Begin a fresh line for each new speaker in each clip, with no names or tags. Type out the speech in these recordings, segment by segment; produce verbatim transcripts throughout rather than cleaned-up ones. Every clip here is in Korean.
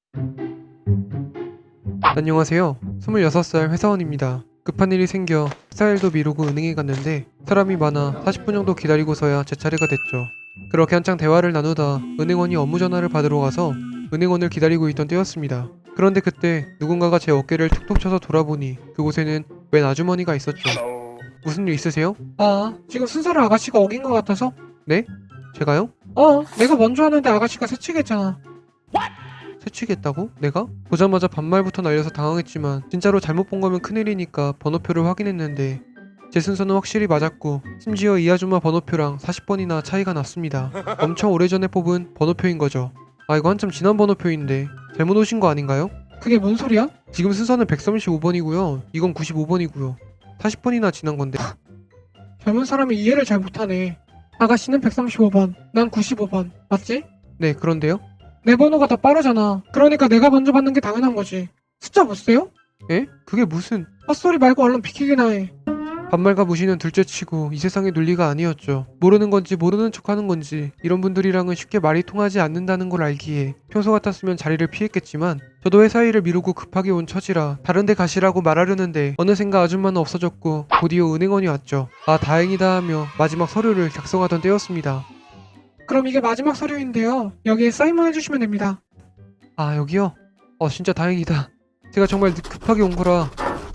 안녕하세요. 스물여섯 살 회사원입니다. 급한 일이 생겨 회사 일도 미루고 은행에 갔는데 사람이 많아 사십 분 정도 기다리고서야 제 차례가 됐죠. 그렇게 한창 대화를 나누다 은행원이 업무 전화를 받으러 가서 은행원을 기다리고 있던 때였습니다. 그런데 그때 누군가가 제 어깨를 툭툭 쳐서 돌아보니 그곳에는 웬 아주머니가 있었죠. 무슨 일 있으세요?
아, 지금 순서를 아가씨가 어긴 것 같아서?
네? 제가요?
어, 내가 먼저 하는데 아가씨가 새치겠잖아.
새치겠다고? 내가? 보자마자 반말부터 날려서 당황했지만 진짜로 잘못 본 거면 큰일이니까 번호표를 확인했는데 제 순서는 확실히 맞았고 심지어 이 아줌마 번호표랑 사십 번이나 차이가 났습니다. 엄청 오래전에 뽑은 번호표인 거죠. 아 이거 한참 지난 번호표인데 잘못 오신 거 아닌가요?
그게 뭔 소리야?
지금 순서는 백삼십오 번이고요. 이건 구십오 번이고요. 사십 번이나 지난 건데.
젊은 사람이 이해를 잘 못하네. 아가씨는 백삼십오 번, 난 구십오 번. 맞지?
네 그런데요?
내 번호가 더 빠르잖아. 그러니까 내가 먼저 받는 게 당연한 거지. 숫자 못 세요?
에? 그게 무슨
헛소리 말고 얼른 비키기나 해.
반말과 무시는 둘째치고 이 세상의 논리가 아니었죠. 모르는 건지 모르는 척하는 건지 이런 분들이랑은 쉽게 말이 통하지 않는다는 걸 알기에 평소 같았으면 자리를 피했겠지만 저도 회사 일을 미루고 급하게 온 처지라 다른 데 가시라고 말하려는데 어느샌가 아줌마는 없어졌고 곧이어 은행원이 왔죠. 아 다행이다 하며 마지막 서류를 작성하던 때였습니다.
그럼 이게 마지막 서류인데요. 여기에 사인만 해주시면 됩니다.
아 여기요? 어 진짜 다행이다. 제가 정말 급하게 온 거라.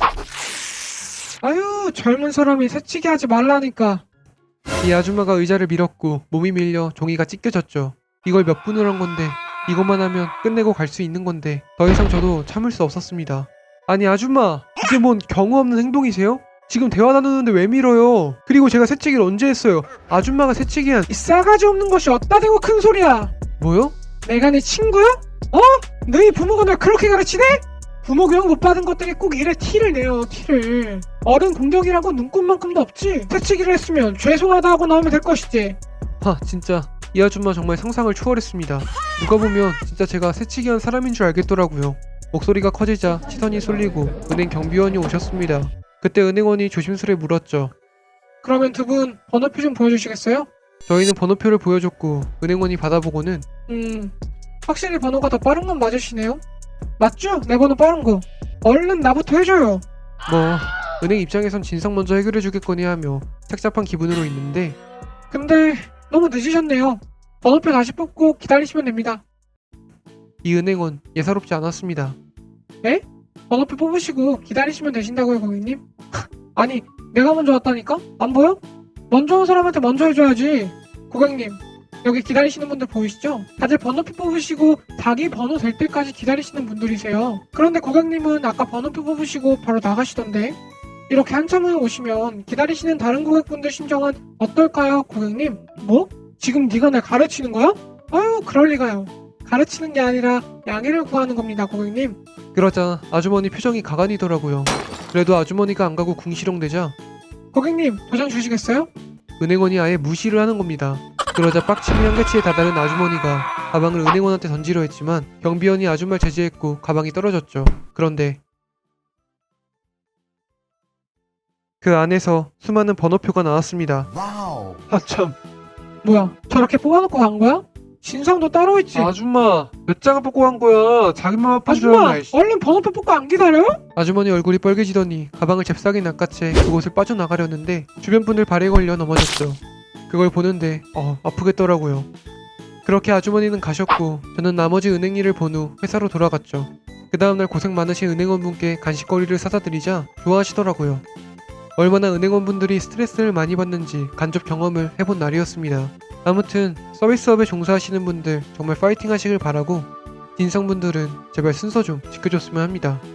아유, 젊은 사람이 새치기 하지 말라니까.
이 아줌마가 의자를 밀었고 몸이 밀려 종이가 찢겨졌죠. 이걸 몇 분을 한 건데 이것만 하면 끝내고 갈 수 있는 건데 더 이상 저도 참을 수 없었습니다. 아니 아줌마 이게 뭔 경우 없는 행동이세요? 지금 대화 나누는데 왜 밀어요? 그리고 제가 새치기를 언제 했어요? 아줌마가 새치기한
이 싸가지 없는 것이 어따 대고 큰 소리야.
뭐요?
내가 네 친구야? 어? 너희 부모가 널 그렇게 가르치네? 부모 교육 못 받은 것들이 꼭 이래 티를 내요, 티를. 어른 공격이라고 눈꼽만큼도 없지. 새치기를 했으면 죄송하다 하고 나오면 될 것이지.
하 진짜 이 아줌마 정말 상상을 초월했습니다. 누가 보면 진짜 제가 새치기한 사람인 줄 알겠더라고요. 목소리가 커지자 시선이 쏠리고 은행 경비원이 오셨습니다. 그때 은행원이 조심스레 물었죠.
그러면 두 분 번호표 좀 보여주시겠어요?
저희는 번호표를 보여줬고 은행원이 받아보고는
음, 확실히 번호가 더 빠른 건 맞으시네요. 맞죠? 내 번호 빠른 거. 얼른 나부터 해줘요.
뭐 은행 입장에선 진상 먼저 해결해주겠거니 하며 착잡한 기분으로 있는데
근데 너무 늦으셨네요. 번호표 다시 뽑고 기다리시면 됩니다.
이 은행원 예사롭지 않았습니다.
에? 번호표 뽑으시고 기다리시면 되신다고요, 고객님? 아니, 내가 먼저 왔다니까? 안 보여? 먼저 온 사람한테 먼저 해줘야지. 고객님, 여기 기다리시는 분들 보이시죠? 다들 번호표 뽑으시고 자기 번호 될 때까지 기다리시는 분들이세요. 그런데 고객님은 아까 번호표 뽑으시고 바로 나가시던데? 이렇게 한참을 오시면 기다리시는 다른 고객분들 심정은 어떨까요, 고객님? 뭐? 지금 네가 날 가르치는 거야? 아유, 그럴 리가요. 가르치는 게 아니라 양해를 구하는 겁니다, 고객님.
그러자 아주머니 표정이 가관이더라고요. 그래도 아주머니가 안 가고 궁시렁대자
고객님, 도장 주시겠어요?
은행원이 아예 무시를 하는 겁니다. 그러자 빡침이 한계치에 다다른 아주머니가 가방을 은행원한테 던지려 했지만 경비원이 아줌마를 제지했고 가방이 떨어졌죠. 그런데 그 안에서 수많은 번호표가 나왔습니다.
와우.
아참
뭐야, 저렇게 뽑아놓고 간 거야? 진상도 따로 있지.
아줌마 몇 장을 뽑고 간 거야. 자기만 아픈 줄
아줌마,
알아. 이씨.
얼른 번호표 뽑고 안 기다려?
아주머니 얼굴이 빨개지더니 가방을 잽싸게 낚아채 그곳을 빠져나가려는데 주변 분들 발에 걸려 넘어졌죠. 그걸 보는데 어 아프겠더라고요. 그렇게 아주머니는 가셨고 저는 나머지 은행 일을 본 후 회사로 돌아갔죠. 그 다음날 고생 많으신 은행원분께 간식거리를 사다 드리자 좋아하시더라고요. 얼마나 은행원분들이 스트레스를 많이 받는지 간접 경험을 해본 날이었습니다. 아무튼 서비스업에 종사하시는 분들 정말 파이팅 하시길 바라고 진상분들은 제발 순서 좀 지켜줬으면 합니다.